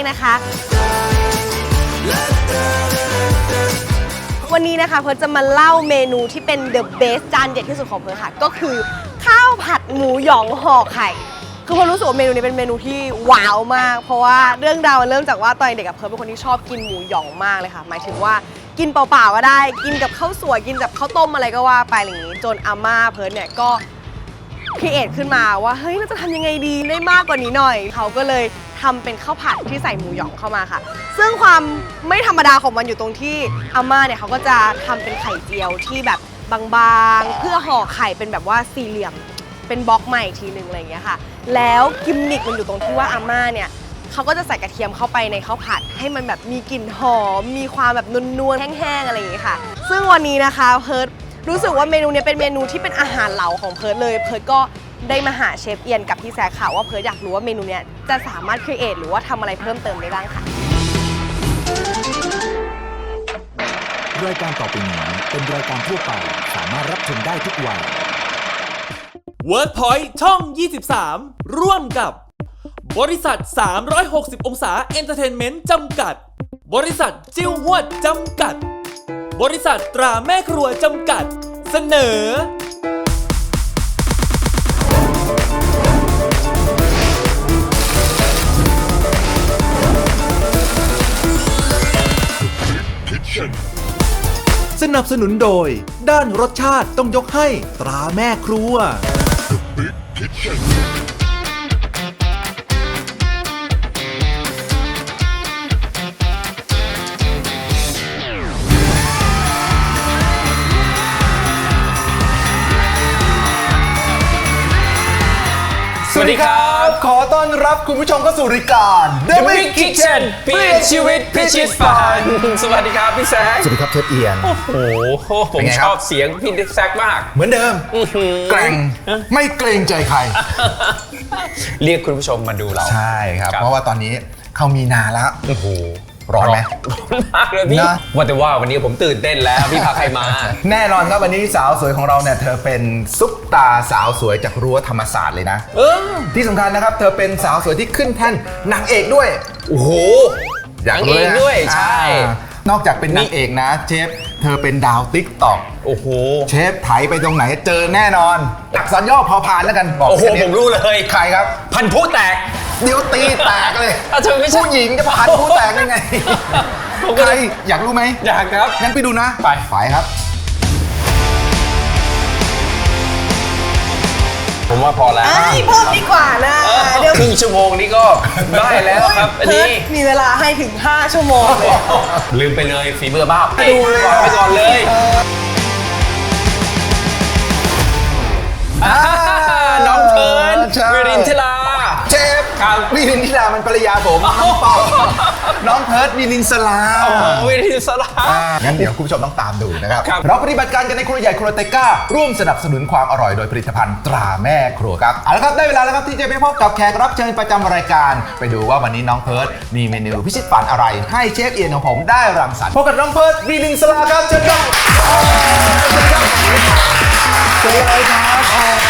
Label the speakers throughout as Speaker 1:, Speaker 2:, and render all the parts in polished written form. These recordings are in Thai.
Speaker 1: นะคะวันนี้นะคะเพิร์ทจะมาเล่าเมนูที่เป็น the best จานเด็ดที่สุดของเพิร์ทค่ะก็คือข้าวผัดหมูหยองห่อไข่คือเพิร์ทรู้สึกว่าเมนูนี้เป็นเมนูที่ว้าวมากเพราะว่าเรื่องราวมันเริ่มจากว่าตอนเด็กกับเพิร์ทเป็นคนที่ชอบกินหมูหยองมากเลยค่ะหมายถึงว่ากินเปล่าๆก็ได้กินกับข้าวสวยกินกับข้าวต้มอะไรก็ว่าไปอย่างนี้จนอาม่าเพิร์ทเนี่ยก็ครีเอทขึ้นมาว่าเฮ้ยเราจะทำยังไงดีได้มากกว่านี้หน่อยเขาก็เลยทำเป็นข้าวผัดที่ใส่หมูหยองเข้ามาค่ะซึ่งความไม่ธรรมดาของมันอยู่ตรงที่อาม่าเนี่ยเขาก็จะทำเป็นไข่เจียวที่แบบบางๆเพื่อห่อไข่เป็นแบบว่าสี่เหลี่ยมเป็นบล็อกใหม่ทีนึงอะไรอย่างเงี้ยค่ะแล้วกิมมิคมันอยู่ตรงที่ว่าอาม่าเนี่ยเขาก็จะใส่กระเทียมเข้าไปในข้าวผัดให้มันแบบมีกลิ่นหอมมีความแบบนวลๆแห้งๆอะไรอย่างเงี้ยค่ะซึ่งวันนี้นะคะเพิร์ทรู้สึกว่าเมนูนี้เป็นเมนูที่เป็นอาหารเหลาของเพิร์ทเลยเพิร์ทก็ได้มาหาเชฟเอียนกับพี่แซคค่ะว่าเพิร์ทอยากรู้ว่าเมนูนี้จะสามารถครีเอทหรือว่าทำอะไรเพิ่มเติมได้บ้างค่ะ
Speaker 2: รายการต่อไปนี้เป็นรายการทั่วไปสามารถรับชมได้ทุกวัย
Speaker 3: WordPoint ช่อง 23 ร่วมกับบริษัท 360 องศาเอนเตอร์เทนเมนต์จำกัดบริษัทจิ้วหวดจำกัดบริษัทตราแม่ครัวจำกัดเสนอ
Speaker 2: สนับสนุนโดยด้านรสชาติต้องยกให้ตราแม่ครัว
Speaker 4: สวัสดีครับขอต้อนรับคุณผู้ชมเข้าสู่รายการ
Speaker 5: The Big Kitchen เปลี่ยนชีวิตพิชิตฝันสวัสดีครับพี่แซค
Speaker 4: สวัสดีครับเชฟเอียน
Speaker 5: โอ้โหผมชอบเสียงพี่แซคมาก
Speaker 4: เหมือนเดิมแกร่งไม่เกรงใจใคร
Speaker 5: เรียกคุณผู้ชมมาดูเรา
Speaker 4: ใช่ครับเพราะว่าตอนนี้เข้ามีนาแล้ว
Speaker 5: โอ้โห
Speaker 4: ร้อนไหม
Speaker 5: ร้อนมากเลยพี่
Speaker 4: นะ
Speaker 5: ว่าแต่ว่าวันนี้ผมตื่นเต้นแล้วพี่พาใครมา
Speaker 4: แน่นอนครับวันนี้สาวสวยของเราเนี่ยเธอเป็นซุปตาสาวสวยจากรั้วธรรมศาสตร์เลยนะที่สำคัญนะครับเธอเป็นสาวสวยที่ขึ้นแท่นนางเอกด้วย
Speaker 5: โอ้โห
Speaker 4: อยากรู้
Speaker 5: นางเอกด้วยใช่
Speaker 4: นอกจากเป็นนางเอกนะเชฟเธอเป็นดาวติ๊กต็อก
Speaker 5: โอ้โห
Speaker 4: เชฟไถไปตรงไหนเจอแน่นอนอักษรย่อพอพานแล้วกันบอก
Speaker 5: โอ้โห
Speaker 4: แค่นี้
Speaker 5: ผมรู้เลย
Speaker 4: ใครครับ
Speaker 5: พันธุ์ผู้แตก
Speaker 4: เดี๋ยวตีแตกเลย
Speaker 5: เธอไม่ใช่
Speaker 4: ผู้หญิงจะพันผู้แตกได้ไง
Speaker 5: ผมก็
Speaker 4: ใคร
Speaker 5: เลย
Speaker 4: อยากรู้ไหม
Speaker 5: อยากครับ
Speaker 4: งั้นไปดูนะ
Speaker 5: ไป
Speaker 4: ครับ
Speaker 5: ผมว่าพอแล้ว
Speaker 1: เพิ่มดีกว่านะเดี๋ยว
Speaker 5: ครึ่งชั่วโมงนี้ก็ได้แล้วครับอัน
Speaker 1: เพิ
Speaker 5: นี้
Speaker 1: ร์ทมีเวลาให้ถึง5 ชั่วโมงเลย
Speaker 5: ลืมไปเลยฝีมือบ้า
Speaker 1: ดูเลย
Speaker 5: ไปก่อนเลย น้องเพิร์น
Speaker 4: ใช่
Speaker 5: วิรินทรา
Speaker 4: เชฟ
Speaker 5: ครับ
Speaker 4: วิรินทิรามันภรรยาผมน้องเปาน้องเพิร์ดวิรินสลา
Speaker 5: โอ้โหวิรินทรา
Speaker 4: งั้นเดี๋ยวคุณผู้ชมต้องตามดูนะครับ
Speaker 5: ครับ
Speaker 4: เราปฏิบัติการกันในครัวใหญ่ครัวเตก้าร่วมสนับสนุนความอร่อยโดยผลิตภัณฑ์ตราแม่ครัวครับเอาละครับได้เวลาแล้วครับที่จะไปพบกับแขกรับเชิญประจำรายการไปดูว่าวันนี้น้องเพิร์ดมีเมนูพิชิตฝันอะไรให้เชฟเอียนของผมได้รังสรรค์พบกับน้องเพิร์ดวิรินสลาครับเชิญครับสวัสดีครับ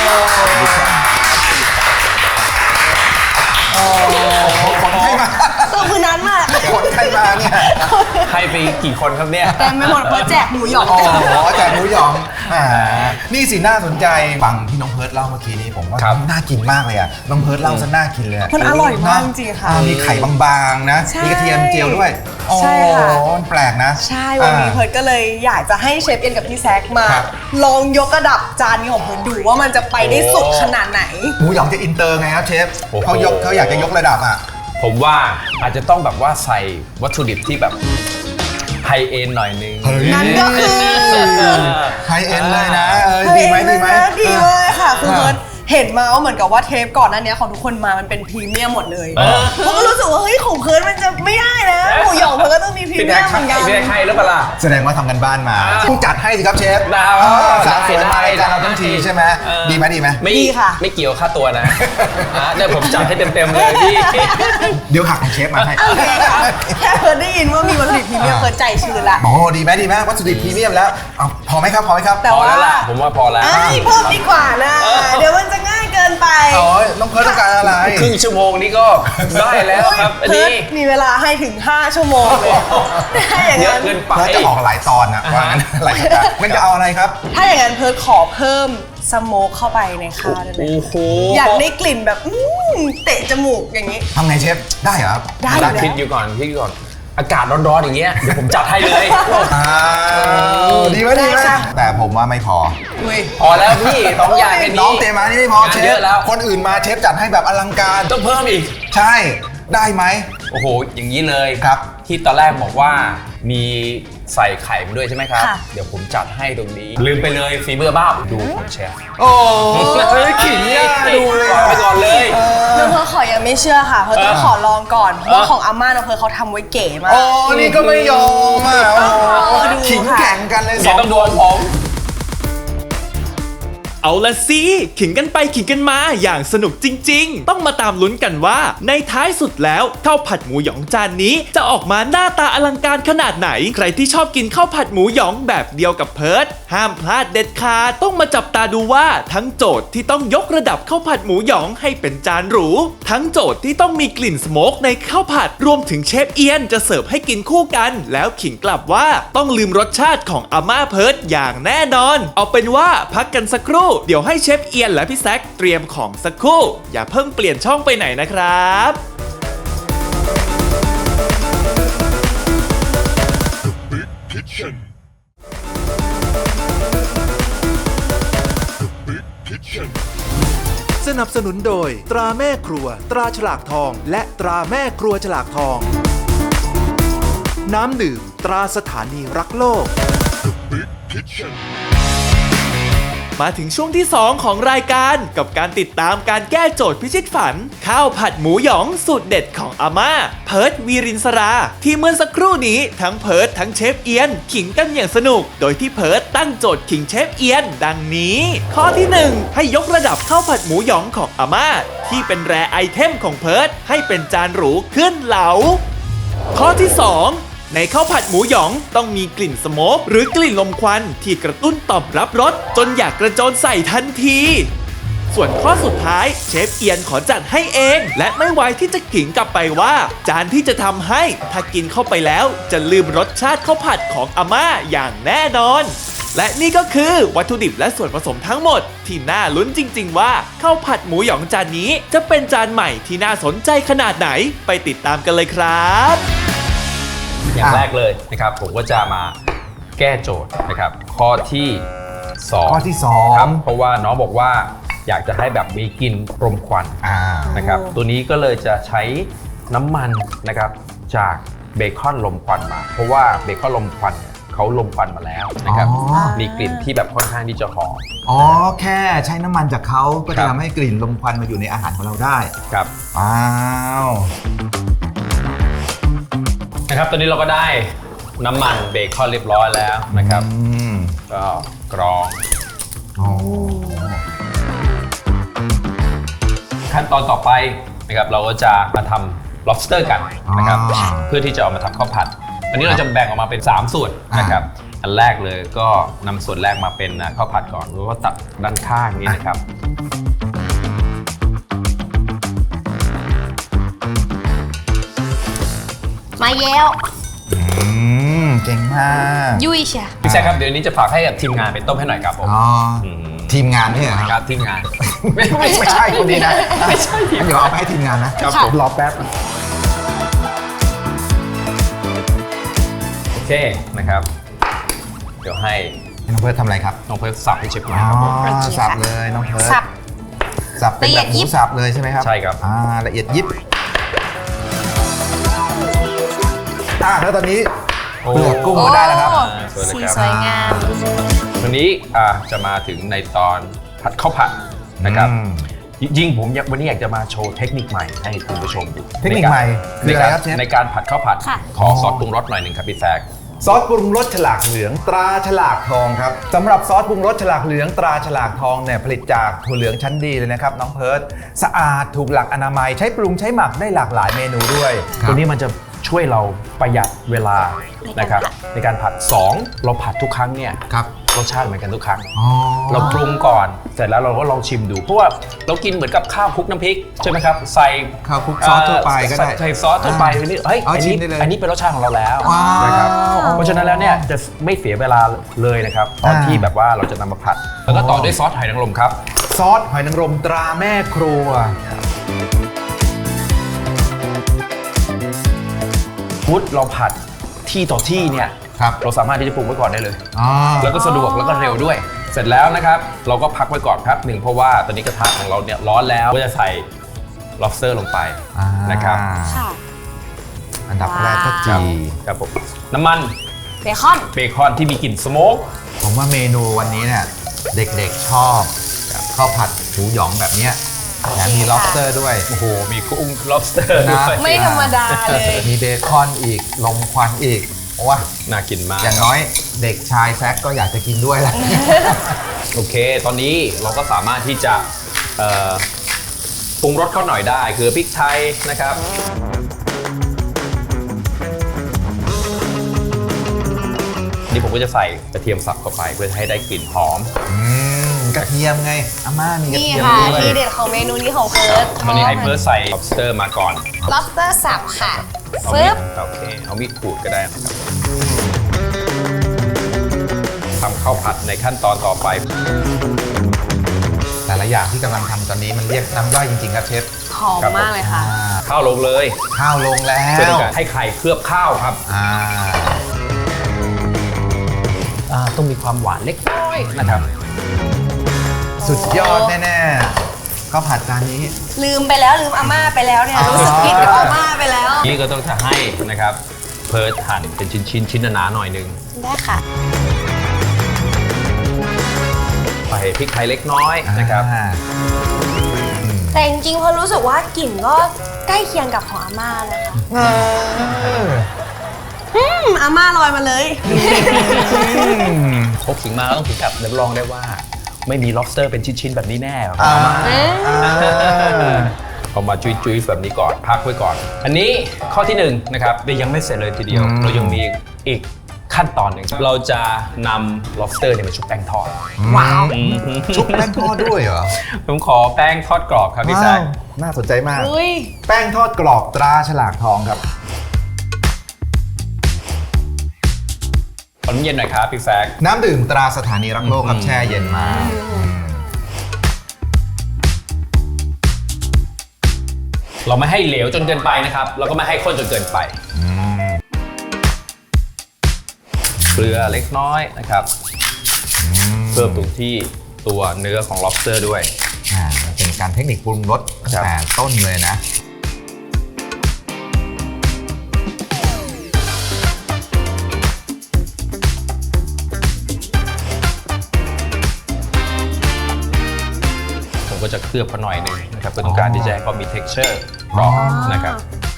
Speaker 4: คนไข้มา
Speaker 1: ตัวคือนั้นมาก
Speaker 4: คนไข้มาเนี่ย
Speaker 5: ให้ไปกี่คนครับเนี่ย
Speaker 1: แต่ไม่หมดเพราะแจกหมูหยอง
Speaker 4: อ๋อแต่หมูหยองนี่สิน่าสนใจฟังที่น้องเพิร์ดเล่าเมื่อกี้นี้ผมว่า
Speaker 5: ครับ
Speaker 4: น่ากินมากเลยอ่ะน้องเพิร์ดเล่าซะน่ากินเลยะ
Speaker 1: มันอร่อยมากจริงๆค่ะ
Speaker 4: มีไข่บางๆนะ
Speaker 1: ใช่
Speaker 4: มีกระเทียมเจียวด้วย
Speaker 1: ใช่ค่ะ
Speaker 4: โอ้แปลกนะ
Speaker 1: ใช่วันนี้เพิร์ทก็เลยอยากจะให้เชฟเอ็นกับพี่แซคมา
Speaker 4: ครับ
Speaker 1: ลองยกระดับจานนี้ของเพิร์ทดูว่ามันจะไปได้สุดขนาดไหน
Speaker 4: หมูหยองจะอินเตอร์ไงครับเชฟ
Speaker 5: โอ้โห
Speaker 4: เขาอยากจะยกระดับอ่ะ
Speaker 5: ผมว่าอาจจะต้องแบบว่าใส่วัตถุดิบที่แบบไฮเอ็นหน่อยนึง
Speaker 1: นั่นก็คือ
Speaker 4: ไฮเอ็นเลยนะดีไหม
Speaker 1: ดีมากค่ะคือเพิร์ทเห็นมาว่าเหมือนกับว่าเทปก่อนหน้านี้ของทุกคนมามันเป็นพรีเมียมหมดเลยเขาก็รู้สึกว่าเฮ้ยของเพิร์ทมันจะไม่ได้นะหมูหยองเพิร์ทก็ต้องมีพรี
Speaker 5: พี่
Speaker 1: เมี
Speaker 5: แท็
Speaker 1: ย
Speaker 5: ก
Speaker 1: มเหมือนกัน
Speaker 5: พี่แท็กให้หรือเปล่าล่ะ
Speaker 4: แสดงว่าทำกันบ้านมาต้องจัดให้สิครับเชฟ
Speaker 5: ได้
Speaker 4: สาวสวยมารายการเรา
Speaker 5: ได้
Speaker 4: ทั้งทีใช่ไหมดีไหมดีไหม
Speaker 5: ไม่
Speaker 1: ดีค่ะ
Speaker 5: ไม่เกี่ยวค่าตัวนะเดี๋ยวผมจัดให้เต็มๆเลยพี่
Speaker 4: เดี๋ยวหักของเชฟมาให้
Speaker 1: โอเคค่ะแค่เพิร์ทได้ยินว่ามีวัตถุดิบพรีเมียมเพิร์ทใจชื้นละ
Speaker 4: โอ้ดีไหมวัตถุดิบพรีเมียมแล้วเอาพอไหมครับ
Speaker 1: แต่
Speaker 5: พอ
Speaker 1: ว่า
Speaker 5: แล้วล่ะผมว่าพอแล้ว
Speaker 1: เพิ่มดีกว่านะเดี๋ยวมันจะง่ายเกิกินไป
Speaker 4: อ๋อน้องเพิร์ทต้องการอะไร
Speaker 5: ครึ่งชั่วโมงนี้ก็ได้แล้วครับอัน
Speaker 1: เพิ
Speaker 5: นี้
Speaker 1: ร์ทมีเวลาให้ถึง 5 ชั่วโมงเลยถ้าอย่าง
Speaker 5: เยอะ
Speaker 1: นั้น
Speaker 5: เกินไป
Speaker 4: เพิร์ทจะออกหลายตอนนะว่างั้นหลายรายการมันจะเอาอะไรครับ
Speaker 1: ถ้าอย่างนั้นเพิร์ทขอเพิ่มสโมกเข้าไปในข้าวได้ไหม
Speaker 5: โอ้โห
Speaker 1: อยากได้กลิ่นแบบเตะจมูกอย่างนี้
Speaker 4: ทำไงเชฟได้เหรอครับ
Speaker 1: ได้อยู่แล้ว
Speaker 5: คิดอยู่ก่อนอากาศร้อนๆอย่างเงี้ยเดี๋ยวผมจัดให้เลย
Speaker 4: อ้าวดีไหมดีไหม
Speaker 1: ได้ค่ะ
Speaker 4: แต่ผมว่าไม่พอ
Speaker 1: อุ้ย
Speaker 5: พอแล้วพี่ต้องอย่างแค่นี้
Speaker 4: น้องเตรียมมานี่ไม่พอง
Speaker 5: าน
Speaker 4: เช
Speaker 5: เย
Speaker 4: ฟ
Speaker 5: อะแล้ว
Speaker 4: คนอื่นมาเชฟจัดให้แบบอลังการ
Speaker 5: ต้องเพิ่มอีก
Speaker 4: ใช่ได้ไหม
Speaker 5: โอ้โห อย่างนี้เลย
Speaker 4: ครับ
Speaker 5: ที่ตอนแรกบอกว่ามีใส่ไข่มาด้วยใช่ไหมครับ
Speaker 1: ค่ะ
Speaker 5: เดี๋ยวผมจัดให้ตรงนี้ ลืมไปเลยฝีมือบ้าดูของเชฟ
Speaker 4: โอ้ยขิงอ่ะดูเลย
Speaker 5: วางไปก่อนเลย
Speaker 1: น้องเพิร์ทขอยังไม่เชื่อค่ะ เพิร์ทต้องขอลองก่อนเพราะว่าของอาม่าน้องเพิร์ทเขาทำไว้เก๋มาก
Speaker 4: โอ้นี่ก็ไม่ยอมอ่ะโอ้โห
Speaker 1: ดูค่ะ
Speaker 4: ขิงแข่งกันเลยส
Speaker 5: เดี๋ย
Speaker 4: อ
Speaker 5: ว
Speaker 4: ง
Speaker 5: ต้องโดนผม
Speaker 3: เอาละสิขิงกันไปขิงกันมาอย่างสนุกจริงๆ ต้องมาตามลุ้นกันว่าในท้ายสุดแล้วข้าวผัดหมูหยองจานนี้จะออกมาหน้าตาอลังการขนาดไหน ใครที่ชอบกินข้าวผัดหมูหยองแบบเดียวกับเพิร์ทห้ามพลาดเด็ดขาดต้องมาจับตาดูว่าทั้งโจทย์ที่ต้องยกระดับข้าวผัดหมูหยองให้เป็นจานหรูทั้งโจทย์ที่ต้องมีกลิ่นสโมกในข้าวผัดรวมถึงเชฟเอียนจะเสิร์ฟให้กินคู่กัน แล้วขิงกลับว่าต้องลืมรสชาติของอาม่าเพิร์ทอย่างแน่นอน เอาเป็นว่าพักกันสักครู่เดี๋ยวให้เชฟเอียนและพี่แซคเตรียมของสักครู่อย่าเพิ่งเปลี่ยนช่องไปไหนนะครับ
Speaker 2: สนับสนุนโดยตราแม่ครัวตราฉลากทอง และตราแม่ครัวฉลากทอง น้ำดื่มตราสถานีรักโลก
Speaker 3: มาถึงช่วงที่ 2 ของรายการกับการติดตามการแก้โจทย์พิชิตฝัน ข้าวผัดหมูหยองสูตรเด็ดของอาม่าเพิร์ทวีรินสราที่เมื่อสักครู่นี้ทั้งเพิร์ททั้งเชฟเอียนขิงกันอย่างสนุก โดยที่เพิร์ทตั้งโจทย์ขิงเชฟเอียนดังนี้ ข้อที่ 1 ให้ยกระดับข้าวผัดหมูหยองของอาม่าที่เป็นแรไอเทมของเพิร์ทให้เป็นจานหรูขึ้นเหลา ข้อที่ 2 ในข้าวผัดหมูหยองต้องมีกลิ่นสโมกหรือกลิ่นลมควันที่กระตุ้นตอบรับรสจนอยากกระโจนใส่ทันที ส่วนข้อสุดท้ายเชฟเอียนขอจัดให้เอง และไม่ไว้ที่จะขิงกลับไปว่า จานที่จะทำให้ถ้ากินเข้าไปแล้วจะลืมรสชาติข้าวผัดของอาม่าอย่างแน่นอน และนี่ก็คือวัตถุดิบและส่วนผสมทั้งหมดที่น่าลุ้นจริงๆว่าข้าวผัดหมูหยองจานนี้จะเป็นจานใหม่ที่น่าสนใจขนาดไหนไปติดตามกันเลยครับ
Speaker 5: อย่างแรกเลยนะครับผมก็จะมาแก้โจทย์นะครับข้อที่2
Speaker 4: ข้อที่
Speaker 5: ครับเพราะว่าน้องบอกว่าอยากจะให้แบบมีกลิ่นรมควัน
Speaker 4: 2
Speaker 5: นะครับตัวนี้ก็เลยจะใช้น้ำมันนะครับจากเบคอนลมควันมา เพราะว่าเบคอนลมควันเนี่ยเขาลมควันมาแล้วนะครับ
Speaker 4: อ๋อ
Speaker 5: มีกลิ่นที่แบบค่อนข้างที่จะหอม
Speaker 4: อ๋อแค่ใช้น้ำมันจากเขาก็
Speaker 5: ครั
Speaker 4: จะ
Speaker 5: บ
Speaker 4: ทำให้กลิ่นลมควันมาอยู่ในอาหารของเราได้
Speaker 5: ครับ
Speaker 4: อ้าว
Speaker 5: นะครับตอนนี้เราก็ได้น้ำมันเบคอนเรียบร้อยแล้วนะครับ ก็กรอง
Speaker 4: อ๋อ
Speaker 5: ขั้นตอนต่อไปนะครับเราก็จะมาทำ lobster กันนะครับเพื่อที่จะเอามาทำข้าวผัด อันนี้เราจะแบ่งออกมาเป็น 3 ส่วนนะครับอันแรกเลยก็นำส่วนแรกมาเป็นข้าวผัดก่อนแล้วก็ตัดด้านข้างนี้นะครับ
Speaker 1: มาเย้ว
Speaker 4: เก่งมาก
Speaker 1: ยุ่ยเชีย
Speaker 5: พี่แซคครับเดี๋ยวนี้จะฝากให้กับทีมงานไปต้มให้หน่อยครับผม
Speaker 4: อ๋อทีมงานนี่เหรอ
Speaker 5: ค
Speaker 4: ค
Speaker 5: รั
Speaker 4: รั
Speaker 5: บบ ทีมงาน
Speaker 4: ไม่ใช่คนนี้นะไม่ใช่เดี๋ยวเอาไปให้ทีมงานนะครับ ผมรอแป๊บ
Speaker 5: โอเคนะครับเดี๋ยวให้
Speaker 4: น้องเพิร์ททำอะไรครับ
Speaker 5: น้องเพิร์ทสับให้เชฟหน่อย
Speaker 4: อ๋อ
Speaker 5: ครับผม
Speaker 4: สับเลยน้องเพิร์ท
Speaker 1: สับ
Speaker 4: สับเป็นแบบหมูสับเลยใช่ไหมครับ
Speaker 5: ใช่ครับ
Speaker 4: ละเอียดยิบแล้วตอนนี้เปลือกกุ้งก็ได้แล้วครับ
Speaker 5: สวยเลย
Speaker 1: สี
Speaker 5: ครับ
Speaker 1: สวยงาม
Speaker 5: วันนี้จะมาถึงในตอนผัดข้าวผัดนะครับ จริงๆผมวันนี้อยากจะมาโชว์เทคนิคใหม่ให้คุณผู้ชมดู
Speaker 4: เทคนิคใหม่คืออะไรครับเชฟ
Speaker 5: ในการผัดข้าวผัด
Speaker 1: ค่ะ
Speaker 5: ขอซอสปรุงรสหน่อยหนึ่งครับพี่แซค
Speaker 4: ซอสปรุงรสฉลากเหลืองตราฉลากทองครับสำหรับซอสปรุงรสฉลากเหลืองตราฉลากทองเนี่ยผลิตจากถั่วเหลืองชั้นดีเลยนะครับน้องเพิร์ทสะอาดถูกหลักอนามัยใช้ปรุงใช้หมักได้หลากหลายเมนูด้วย
Speaker 5: ตัวนี้มันจะช่วยเราประหยัดเวลานะครับในการผัด 2 เราผัดทุกครั้งเนี่ย
Speaker 4: ครับ
Speaker 5: เรสชาติเหมือนกันทุกครั้งเราปรุงก่อนเสร็จแล้วเราก็ลองชิมดูเพราะว่าเรากินเหมือนกับข้าวคลุกน้ำพริกใช่ไหมครับใส่
Speaker 4: ข้าวคลุกซอสทั่วไปก็ได้
Speaker 5: ใส่ซอสทั่วไปนี่เฮ้ย
Speaker 4: เอา
Speaker 5: อัน
Speaker 4: ชิ
Speaker 5: นี้
Speaker 4: มได้เลย
Speaker 5: อันนี้เป็นรสชาติของเราแล้ว
Speaker 4: ว้าว
Speaker 5: นะครับเพราะฉะนั้นแล้วเนี่ยจะไม่เสียเวลาเลยนะครับตอนที่แบบว่าเราจะนำมาผัดแล้วก็ต่อด้วยซอสหอยนางรมครับ
Speaker 4: ซอสหอยนางรมตราแม่ครัว
Speaker 5: พุทเราผัดที่ต่อที่เนี่ย
Speaker 4: ครับ
Speaker 5: เราสามารถที่จะปรุงไว้ก่อนได้เลย
Speaker 4: อ๋อ
Speaker 5: แล้วก็สะดวกแล้วก็เร็วด้วย เสร็จแล้วนะครับ เราก็พักไว้ก่อนครับหนึ่งเพราะว่าตอนนี้กระทะของเราเนี่ยร้อนแล้วก็จะใส่ lobster ลงไปนะครับ
Speaker 1: ค่ะ
Speaker 4: อันดับแรกก็จี
Speaker 5: ครับผมน้ำมัน
Speaker 1: เบคอน
Speaker 5: เบคอนที่มีกลิ่นสโมก
Speaker 4: ผมว่าเมนูวันนี้เนี่ยเด็กๆชอบข้าวผัดหมูหยองแบบเนี้ยแถมมี lobster ด้วย
Speaker 5: โอ้โหมีกุ้ง lobster
Speaker 4: นะ
Speaker 5: ด้วย
Speaker 1: ไม่ธรรมดาเลย
Speaker 4: มีเบคอนอีกลมควันอีกว้า
Speaker 5: น่ากินมาก
Speaker 4: อย่างน้อยเด็กชายแซคก็อยากจะกินด้วยแหละ
Speaker 5: โอเค ตอนนี้เราก็สามารถที่จะปรุงรสเขาหน่อยได้คือพริกไทยนะครับนี่ผมก็จะใส่กระเทียมสับเข้าไปเพื่อให้ได้กลิ่นหอม
Speaker 4: กระเทียมไงอาม่ามีกระ
Speaker 1: นี่
Speaker 4: เทียม
Speaker 1: ค่ะ
Speaker 4: ด้วย
Speaker 1: ทีเด็ดของเมนูนี้ของเฟิร์ส
Speaker 5: ตอนนี้ไฮเพิร์สใส่ lobster มาก่อน
Speaker 1: lobster สับค่ะ
Speaker 5: เอา
Speaker 1: ฟึ
Speaker 5: มี
Speaker 1: บ
Speaker 5: ดโอเคเอามีดขูดก็ได้นะครับทำข้าวผัดในขั้นตอนต่อไป
Speaker 4: แต่ละอย่างที่กำลังทำตอนนี้มันเรียกน้ำย่อยจริงๆครับเชฟ
Speaker 1: หอมมากเลยค่ะ
Speaker 5: ข้าวลงเลย
Speaker 4: ข้าวลงแล้
Speaker 5: เพื่อ
Speaker 4: ว
Speaker 5: ต้องการให้ไข่เคลือบข้าวครับ ต้องมีความหวานเล็กน้อยนะครับ
Speaker 4: สุดยอดแน่ๆข้าวผัดจานนี้
Speaker 1: ลืมไปแล้วลืมอาม่าไปแล้วเนี่ย
Speaker 4: อ๋อ
Speaker 1: รู้สึกผิดกับอาม่าไปแล้ว
Speaker 5: นี่ก็ต้องจะให้นะครับเพิร์ทหั่นเป็นชิ้นหนาๆหน่อยนึง
Speaker 1: ได้ค่ะ
Speaker 5: ใส่พริกไทยเล็กน้อยนะครับ
Speaker 1: แต่จริงๆพอรู้สึกว่ากลิ่นก็ใกล้เคียงกับของอาม่านะคะอาม่าลอยมาเลย
Speaker 5: พกขิงมาก็ต้องถึงกับรับรองได้ว่า ไม่มี lobster เป็นชิ้นๆแบบนี้แน่หรอก เอามาจุยๆแบบนี้ก่อนพักไว้ก่อน อันนี้ข้อที่1นะครับยังไม่เสร็จเลยทีเดียว เรายังมีอีกขั้นตอนหนึ่งเราจะนำ lobster เนี่ยมาชุบแป้งทอด
Speaker 1: ว้าว
Speaker 4: ชุบแป้งทอดด้วยเหรอ
Speaker 5: ผมขอแป้งทอดกรอบครับพี่แซค
Speaker 4: น่าสนใจมาก
Speaker 1: อุ้ย
Speaker 4: แป้งทอดกรอบตราฉลากทองครับ
Speaker 5: ขอน้ำเย็นหน่อยครับพี่แซค
Speaker 4: น้ำดื่มตราสถานีรักโลกครับแช่เย็นมา
Speaker 5: เราไม่ให้เหลวจนเกินไปนะครับแล้วก็ไม่ให้ข้นจนเกินไปเกลือเล็กน้อยนะครับเพิ่มตรงที่ตัวเนื้อของ lobster ด้วย
Speaker 4: มันเป็นการเทคนิคปรุงรส
Speaker 5: ครับ
Speaker 4: แต่ต้นเลยนะ
Speaker 5: ผมก็จะเคลือบเขาหน่อยหนึงนะครับเพื่อต้องการที่จะให้เขามี texture กรอบนะครับ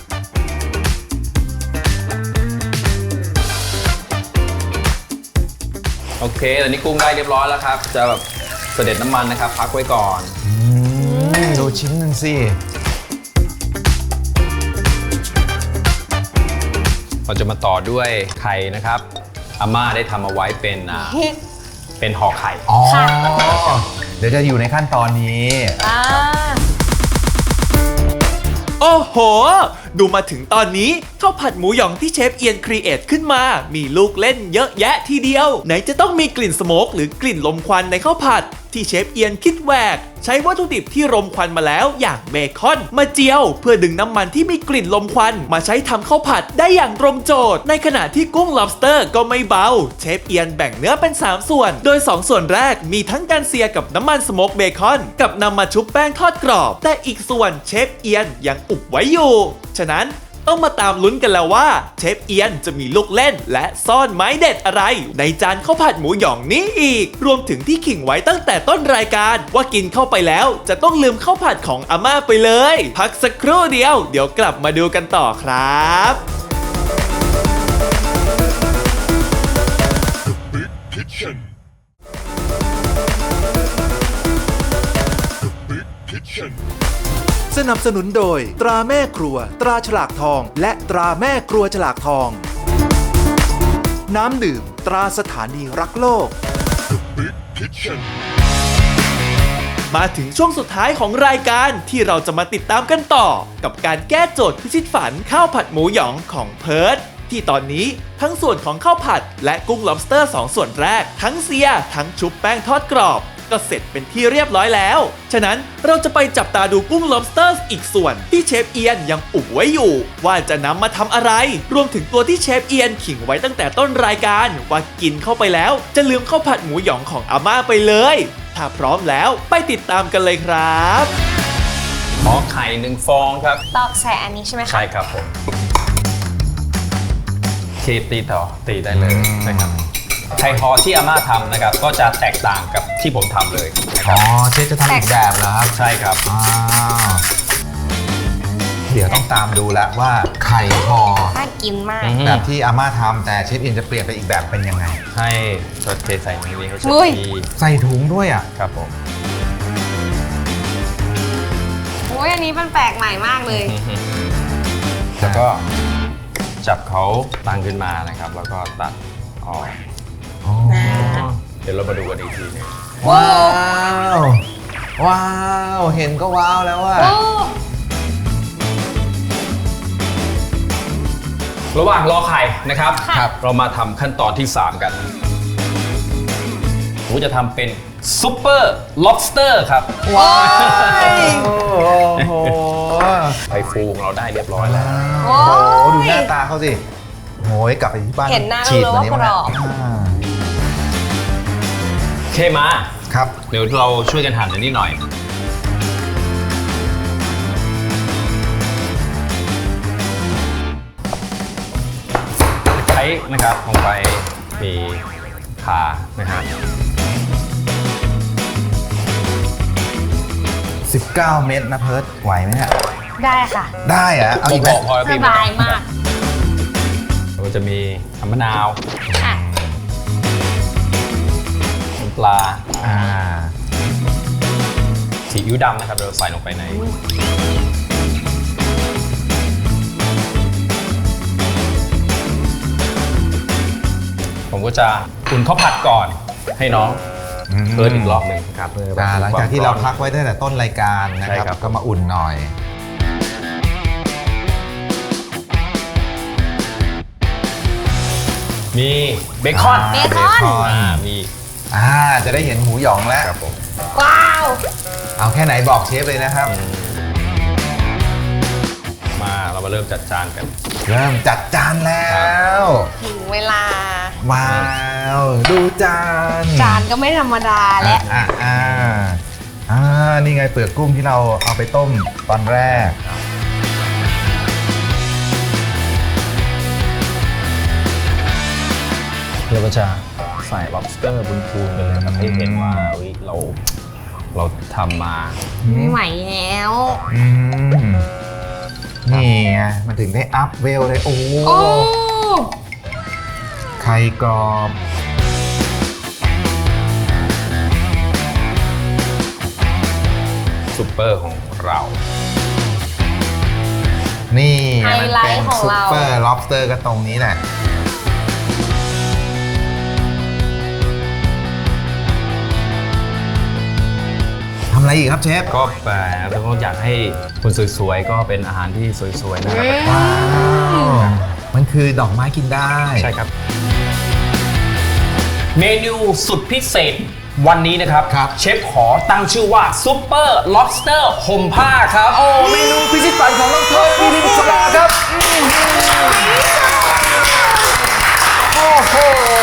Speaker 5: โอเคตอนนี้กุ้งได้เรียบร้อยแล้วครับจะแบบเสด็จน้ำมันนะครับพักไว้ก่อน
Speaker 4: ดูชิ้นหนึ่งสิ
Speaker 5: เราจะมาต่อด้วยไข่นะครับอาม่าได้ทำเอาไว้เป็นห่อไข่
Speaker 4: อ๋อ เดี๋ยวจะอยู่ในขั้นตอนนี้
Speaker 3: โอ้โห ดูมาถึงตอนนี้ข้าวผัดหมูหยองที่เชฟเอียนครีเอทขึ้นมา มีลูกเล่นเยอะแยะทีเดียว ไหนจะต้องมีกลิ่นสโมกหรือกลิ่นลมควันในข้าวผัด ที่เชฟเอียนคิดแหวก ใช้วัตถุดิบที่รมควันมาแล้วอย่างเบคอนมาเจียว เพื่อดึงน้ำมันที่มีกลิ่นลมควันมาใช้ทำข้าวผัดได้อย่างตรงโจทย์ ในขณะที่กุ้ง lobster ก็ไม่เบา เชฟเอียนแบ่งเนื้อเป็น 3 ส่วน โดย 2 ส่วนแรกมีทั้งการเซียกับน้ำมันสโมกเบคอนกับนำมาชุบแป้งทอดกรอบ แต่อีกส่วนเชฟเอียนยังอุบไว้อยู่ ฉะนั้นต้องมาตามลุ้นกันแล้วว่าเชฟเอียนจะมีลูกเล่นและซ่อนไม้เด็ดอะไรในจานข้าวผัดหมูหยองนี้อีก รวมถึงที่ขิงไว้ตั้งแต่ต้นรายการว่ากินเข้าไปแล้วจะต้องลืมข้าวผัดของอาม่าไปเลย พักสักครู่เดียวเดี๋ยวกลับมาดูกันต่อครับ
Speaker 2: สนับสนุนโดยตราแม่ครัวตราฉลากทอง และตราแม่ครัวฉลากทอง น้ำดื่มตราสถานีรักโลก
Speaker 3: มาถึงช่วงสุดท้ายของรายการที่เราจะมาติดตามกันต่อ กับการแก้โจทย์พิชิตฝันข้าวผัดหมูหยองของเพิร์ทที่ตอนนี้ทั้งส่วนของข้าวผัดและกุ้ง lobster 2 ส่วนแรกทั้งเสียทั้งชุบแป้งทอดกรอบก็เสร็จเป็นที่เรียบร้อยแล้วฉะนั้นเราจะไปจับตาดูกุ้ง lobster อีกส่วนที่เชฟเอียนยังอุบไว้อยู่ว่าจะนำมาทำอะไรรวมถึงตัวที่เชฟเอียนขิงไว้ตั้งแต่ต้นรายการว่ากินเข้าไปแล้วจะลืมข้าวผัดหมูหยองของอาม่าไปเลยถ้าพร้อมแล้วไปติดตามกันเลยครับ
Speaker 5: ขอไข่1 ฟองครับ
Speaker 1: ตอกใส่อันนี้ใช่ไหมคะ
Speaker 5: ใช่ครับผมตีต่อตีได้เลยนะครับไข่ฮอที่อาม่าทำนะครับก็จะแตกต่างกับที่ผมทำเลยนะค
Speaker 4: อ๋
Speaker 5: รั
Speaker 4: อบ เชฟจะทำอีกแบบเหรอครับ
Speaker 5: ใช่ครับ
Speaker 4: อ้าวเดี๋ยวต้องตามดูแล้วว่าไข่ห่อ
Speaker 1: น่ากินมาก
Speaker 4: แบบที่อาม่าทำแต่เชฟเอียนจะเปลี่ยนไปอีกแบบเป็นยังไง
Speaker 5: ให้ก็เทใส่ในนี้เขาจะ
Speaker 1: อุ้ย
Speaker 5: มี
Speaker 4: ใส่ถุงด้วยอ่ะ
Speaker 5: ครับผม
Speaker 1: โอ้ยอันนี้มันแปลกใหม่มากเลย
Speaker 5: แล้วก็จับเขาตั้งขึ้นมานะครับ แล้วก็ตัดออกเดี๋ยวเรามาดูกันอีกทีหนึง
Speaker 4: ว้าวว้าวเห็นก็ว้าวแล้วว่า
Speaker 5: ระหว่างรอไข่นะครับ
Speaker 1: ครับ
Speaker 5: เรามาทำขั้นตอนที่ 3 กันผมจะทำเป็นซุปเปอร์ล็อบสเตอร์ครับ
Speaker 1: ว้าย
Speaker 4: โอ้โห
Speaker 5: ไข่ฟูของเราได้เรียบร้อยแล้ว
Speaker 4: โอ้โหดูหน้าตาเขาสิโอ้ยกลับไปที่บ้าน
Speaker 1: เห็นหน้า
Speaker 4: ฉีด
Speaker 1: รู้
Speaker 4: วันนี้
Speaker 1: ว่ากรอบ
Speaker 5: เคมา
Speaker 4: ครับ
Speaker 5: เดี๋ยวเราช่วยกันหั่นอันนี้หน่อย ใช้นะครับลงไปมีขานะฮะ
Speaker 4: 19 เม็ดนะเพิร์ดไหวไหมฮะ
Speaker 1: ได้ค่ะ
Speaker 4: ได้อะเอาอีกไหม
Speaker 5: พอแล้ว
Speaker 1: ส
Speaker 5: พี่
Speaker 1: บายมาก
Speaker 5: เราจะมีน้ำมะนาว
Speaker 1: อ่ะ
Speaker 5: น้ำปลา
Speaker 4: อ่า
Speaker 5: ซีอิ๊วดำนะครับเราใส่ลงไปในผมก็จะอุ่นข้าวผัดก่อนให้น้องเพิ่มอีกรอบหนึ่งครับเพื่อ
Speaker 4: หลังจากที่เราพักไว้ตั้งแต่ต้นรายการนะ
Speaker 5: ใช่
Speaker 4: ครับ
Speaker 5: ครับ
Speaker 4: ก็มาอุ่นหน่อย
Speaker 5: มีเบคอน
Speaker 1: เบคอน
Speaker 5: มี
Speaker 4: จะได้เห็นหมูหยองแล้ว
Speaker 5: ครับผม
Speaker 1: ว้าว
Speaker 4: เอาแค่ไหนบอกเชฟเลยนะครับ
Speaker 5: มาเรามาเริ่มจัดจานกัน
Speaker 4: เริ่มจัดจานแล้ว
Speaker 1: ถึงเวลา
Speaker 4: ว้าว ดูจาน
Speaker 1: จานก็ไม่ธรรมดาและ
Speaker 4: นี่ไงเปลือกกุ้งที่เราเอาไปต้มตอนแรก
Speaker 5: เราก็จะใส่ lobster บนพูนไปเลยครับให้เห็นว่าเฮ้ยเราทำมา
Speaker 1: ไม่ไหวแล้ว
Speaker 4: อืมนี่ไงมันถึงได้อัพเวลเลย โอ้
Speaker 1: โอ้
Speaker 4: ไข่กรอบ
Speaker 5: ซุปเปอร์ของเรา
Speaker 4: นี่
Speaker 1: ไฮ
Speaker 4: มัน
Speaker 1: ไล
Speaker 4: เป็น
Speaker 1: ท์ของ
Speaker 4: ซุป
Speaker 1: เรา
Speaker 4: เปอร์ล็อบสเตอร์ก็ตรงนี้แหละทำอะไรอีกครับเชฟ
Speaker 5: ก็แปลแล้วก็อยากให้คนสวยๆ ก็เป็นอาหารที่สวยๆนะครับ
Speaker 4: ว้าว มันคือดอกไม้กินได้
Speaker 5: ใช่ครับ เมนูสุดพิเศษวันนี้นะครับ
Speaker 4: ครับ
Speaker 5: เชฟขอตั้งชื่อว่าซุปเปอร์ล็อบสเตอร์ห่มผ้าครับ
Speaker 4: โอ้เมนูพิชิตฝันของน้องเพิร์ทวิริศราครับโอ้โห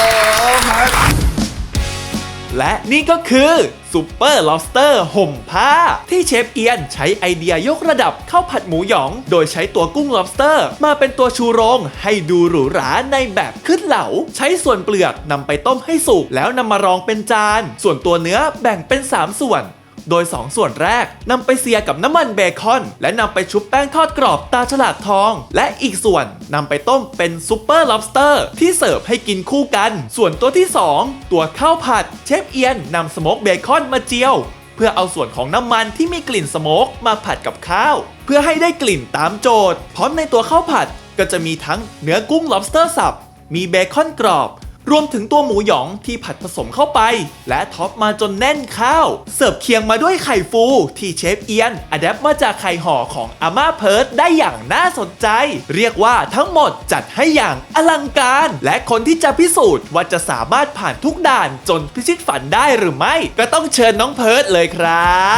Speaker 3: และนี่ก็คือซุปเปอร์ล็อบสเตอร์ห่มผ้าที่เชฟเอียนใช้ไอเดียยกระดับข้าวผัดหมูหยอง โดยใช้ตัวกุ้ง lobster มาเป็นตัวชูโรงให้ดูหรูหราในแบบขึ้นเหลาใช้ส่วนเปลือกนำไปต้มให้สุกแล้วนำมารองเป็นจานส่วนตัวเนื้อแบ่งเป็น 3 ส่วน โดย 2 ส่วนแรกนำไปเสียกับน้ำมันเบคอนและนำไปชุบแป้งทอดกรอบตาฉลากทองและอีกส่วนนำไปต้มเป็นซุปเปอร์ล็อบสเตอร์ที่เสิร์ฟให้กินคู่กันส่วนตัวที่ 2 ตัวข้าวผัดเชฟเอียนนำสโมกเบคอนมาเจียวเพื่อเอาส่วนของน้ำมันที่มีกลิ่นสโมกมาผัดกับข้าวเพื่อให้ได้กลิ่นตามโจทย์พร้อมในตัวข้าวผัดก็จะมีทั้งเนื้อกุ้ง lobster สับมีเบคอนกรอบรวมถึงตัวหมูหยองที่ผัดผสมเข้าไป และท็อปมาจนแน่นข้าว เสิร์ฟเคียงมาด้วยไข่ฟูที่เชฟเอียนอะแดปมาจากไข่ห่อของอาม่าเพิร์ดได้อย่างน่าสนใจ เรียกว่าทั้งหมดจัดให้อย่างอลังการ และคนที่จะพิสูจน์ว่าจะสามารถผ่านทุกด่านจนพิชิตฝันได้หรือไม่ก็ต้องเชิญน้องเพิร์ดเลยครับ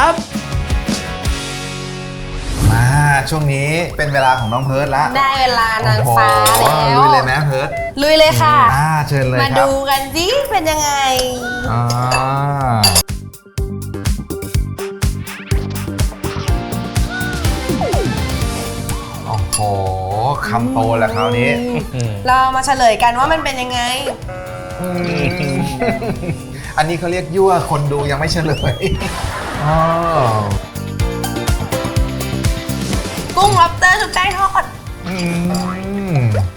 Speaker 4: มาช่วงนี้เป็นเวลาของน้องเพิร์ดแล้ว
Speaker 1: ได้เวลานางฟ้า
Speaker 4: โอ้
Speaker 1: แล้ว
Speaker 4: โหลุยเลยไหมเพิร์ด
Speaker 1: ลุยเลยค่ะ
Speaker 4: เชิญเลยค
Speaker 1: มา
Speaker 4: รับ
Speaker 1: ดูกันสิเป็นยังไง
Speaker 4: อ่าโอ้โหคำโตแล้วคราวนี้
Speaker 1: เรามาเฉลยกันว่ามันเป็นยังไง
Speaker 4: อันนี้เขาเรียกยั่วคนดูยังไม่เฉลยอ๋อ
Speaker 1: กุ้งล็อบสเตอร์ชุบแป้งทอด
Speaker 4: อืม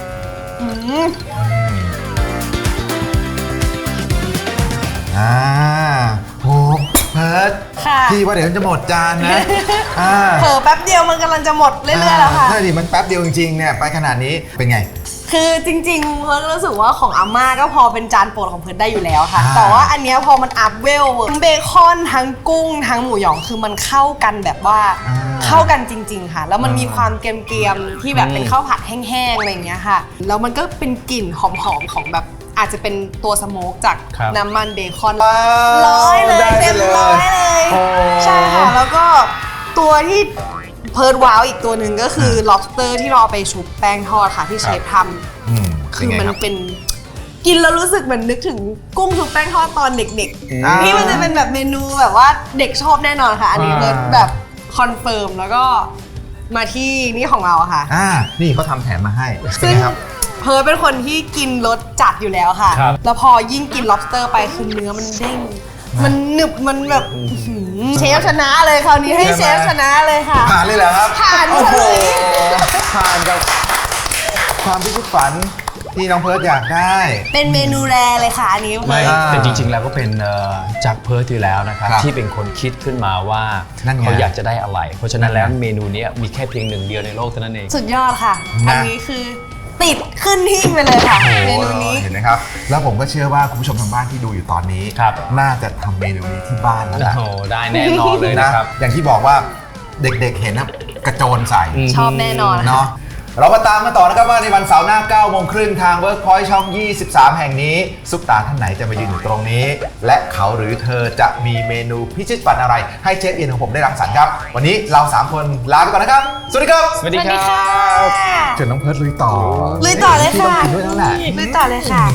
Speaker 4: โหเพิร์ด
Speaker 1: ค่ะ
Speaker 4: พี่ว่าเดี๋ยวมันจะหมดจานนะ
Speaker 1: เผลอแป๊บเดียวมันกำลังจะหมดเรื่อยๆแล้วค่ะ
Speaker 4: ใช่ดิมันแป๊บเดียวจริงๆเนี่ยไปขนาดนี้เป็นไง
Speaker 1: คือจริงๆเพิร์ทรู้สึกว่าของอาม่าก็พอเป็นจานโปรดของเพิร์ทได้อยู่แล้วค่ะ
Speaker 4: อ่า
Speaker 1: แต่ว่าอันเนี้ยพอมันอัพเวลทั้งเบคอนทั้งกุ้งทั้งหมูหยองคือมันเข้ากันแบบว่าเข้ากันจริง ๆ ค่ะ แล้วมันมีความเกรียมๆที่แบบเป็นข้าวผัดแห้งๆอะไรอย่างเงี้ยค่ะ แล้วมันก็เป็นกลิ่นหอมๆของแบบอาจจะเป็นตัวสโมกจาก
Speaker 5: ครับ
Speaker 1: น้ำมันเบคอน
Speaker 4: ว้าว
Speaker 1: ร้อยเลย
Speaker 4: ได้
Speaker 1: เต็มร้อยเลย
Speaker 4: โอ้
Speaker 1: ใช่ค่ะ แล้วก็ตัวที่เพิร์ทว้าวอีกตัวหนึ่งก็คือ lobster ที่เราเอาไปชุบแป้งทอดค่ะที่เชฟทำ
Speaker 4: อืม
Speaker 1: คือ
Speaker 4: เป็
Speaker 1: มัน
Speaker 4: ไงรับ
Speaker 1: เป็นกินแล้วรู้สึกเหมือนนึกถึงกุ้งชุบแป้งทอดตอนเด็ก
Speaker 4: อ่า
Speaker 1: ๆที่มันจะเป็นแบบเมนูแบบว่าเด็กชอบแน่นอนค่ะ อันนี้เพิร์ทแบบคอนเฟิร์มแล้วก็มาที่นี่ของเราค่ะ
Speaker 4: นี่เขาทำแถมมาให้เป็น
Speaker 1: ซึ่ง
Speaker 4: ไงครับ
Speaker 1: เพิร์ทเป็นคนที่กินรสจัดอยู่แล้วค่ะ
Speaker 5: ครับ
Speaker 1: แล้วพอยิ่งกิน lobster ไปคือเนื้อมันเด้ง มันหนึบมันแบบอื้อหือเชฟชนะเลยคราวนี้ให้เชฟชนะเลยค่ะ
Speaker 4: ผ่านเลยเหรอครับ
Speaker 1: ผ่าน
Speaker 4: โอ้โห
Speaker 1: เฉย
Speaker 4: ผ่านกับความพิชิตฝันที่น้องเพิร์ดอยากได้
Speaker 1: เป็นเมนูแรเลยค่ะอันนี้
Speaker 5: ไม่
Speaker 4: อ่า
Speaker 5: แต่จริงๆ แล้วก็เป็นจากเพิร์ทอยู่แล้วนะครับ
Speaker 4: ครับ
Speaker 5: ที่เป็นคนคิดขึ้นมาว่า
Speaker 4: นั่นไง
Speaker 5: เขาอยากจะได้อะไร เพราะฉะนั้นแล้ว
Speaker 4: นั่นไง
Speaker 5: เมนูเนี้ยมีแค่เพียงหนึ่งเดียวในโลกเท่านั้นเอง
Speaker 1: สุดยอดค่ะ
Speaker 4: นะ
Speaker 1: อันนี้คือติดขึ้นหิ้งไปเลยค่ะ เมนูนี้
Speaker 4: เห็นไหมครับ แล้วผมก็เชื่อว่าคุณผู้ชมทางบ้านที่ดูอยู่ตอนนี้
Speaker 5: ครับ
Speaker 4: น่าจะทำเมนูนี้ที่บ้านแล้ว
Speaker 5: โอ้
Speaker 4: นะ
Speaker 5: โหได้แน่นอนเลย
Speaker 4: นะ
Speaker 5: นะครับ
Speaker 4: อย่างที่บอกว่าเด็กๆเห็นนะกระโจนใส่
Speaker 1: ชอบแน่นอนค่ะ
Speaker 4: เนาะเรามาตามกันต่อนะครับว่าในวันเสาร์หน้า 9 โมงครึ่งทาง Workpoint ช่อง 23 แห่งนี้ ซุปตาท่านไหนจะมายืนอยู่ตรงนี้ และเขาหรือเธอจะมีเมนูพิชิตฝันอะไร ให้เชฟเอียนของผมได้รังสรรค์ครับ วันนี้เรา 3 คนลาไปก่อนนะครับ สวัสดีครับ
Speaker 5: สวัสดีครั
Speaker 1: ค่ะ
Speaker 5: บ
Speaker 4: เชิญน้องเพิร์ดลุยต่อ
Speaker 1: ลุยต่อเลยค่ะ
Speaker 4: พี่ต้องกินด้วยแล้วแหละ
Speaker 1: ลุยต่อเลยค่ะ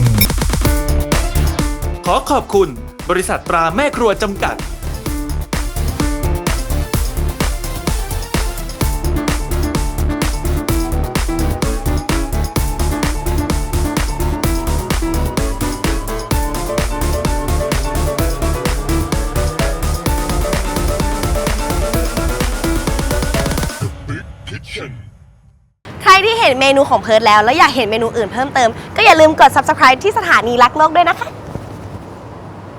Speaker 3: ขอขอบคุณบริษัทตราแม่ครัวจำกัด
Speaker 1: ใครที่เห็นเมนูของเพิร์ทแล้วอยากเห็นเมนูอื่นเพิ่มเติม ก็อย่าลืมกด subscribe ที่สถานีรักโลกด้วยนะคะ